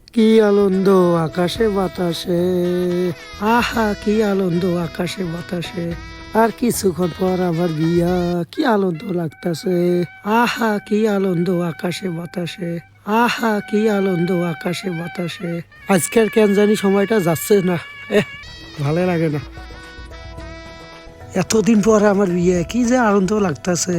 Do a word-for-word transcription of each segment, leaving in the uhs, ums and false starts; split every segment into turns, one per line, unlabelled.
কি আনন্দ আকাশে বাতাসে, আহা কি আনন্দ আকাশে বাতাসে। আর কিছুক্ষণ পর আমার বিয়া, কি আনন্দ লাগতাছে। আহা কি আনন্দ আকাশে বাতাসে, আহা কি আনন্দ আকাশে বাতাসে। আজকের কেন জানি সময়টা যাচ্ছে না, এহ ভালো লাগে না। এতদিন পর আমার বিয়ে, কি যে আনন্দ লাগতাছে।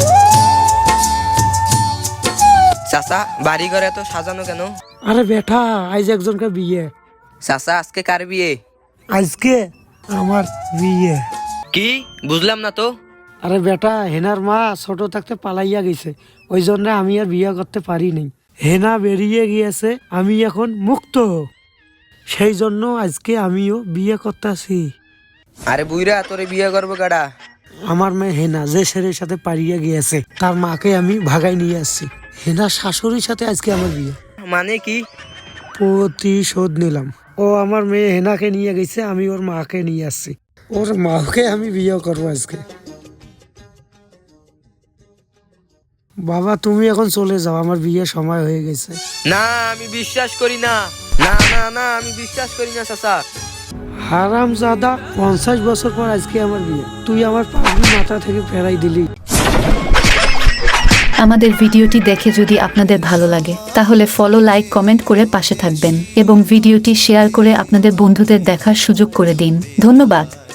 চাচা, বাড়ি ঘরে এত সাজানো কেন?
আরে বেটা, আজ একজনকার বিয়ে।
চাচা, আজকে কার বিয়ে?
আজকে আমার বিয়ে।
কি বুঝলাম না তো।
আরে বেটা, হেনার মা ছোট থাকতে পালাইয়া গেছে, ওই জন্য আমি আর বিয়ে করতে পারি নাই। হেনা বেরিয়ে গিয়েছে, আমি এখন মুক্ত। সেই জন্য আজকে আমিও বিয়ে করতেছি।
আরে বুইরা, তোরে বিয়ে করবো কারা?
আমার মেয়ে হেনা যে ছেলের সাথে পালিয়ে গিয়েছে, তার মাকে আমি ভাগাই নিয়ে আসছি। হেনার শাশুড়ির সাথে আজকে আমার বিয়ে।
মানে কি?
প্রতিশোধ নিলাম। ও আমার মেয়ে হেনাকে নিয়ে গেছে, আমি ওর মাকে নিয়ে আসছি। ওর মাকে আমি বিয়ে করবো আজকে। বাবা তুমি এখন চলে যাও, আমার বিয়ের সময় হয়ে গেছে।
না, আমি বিশ্বাস করি না। না না না, আমি বিশ্বাস করি না চাচা।
হারাম জাদা, পঞ্চাশ বছর পর আজকে আমার বিয়ে, তুই আমার পাগড়ি মাথা থেকে ফেরাই দিলি।
আমাদের ভিডিওটি দেখে যদি আপনাদের ভালো লাগে তাহলে ফলো, লাইক, কমেন্ট করে পাশে থাকবেন এবং ভিডিওটি শেয়ার করে আপনাদের বন্ধুদের দেখার সুযোগ করে দিন। ধন্যবাদ।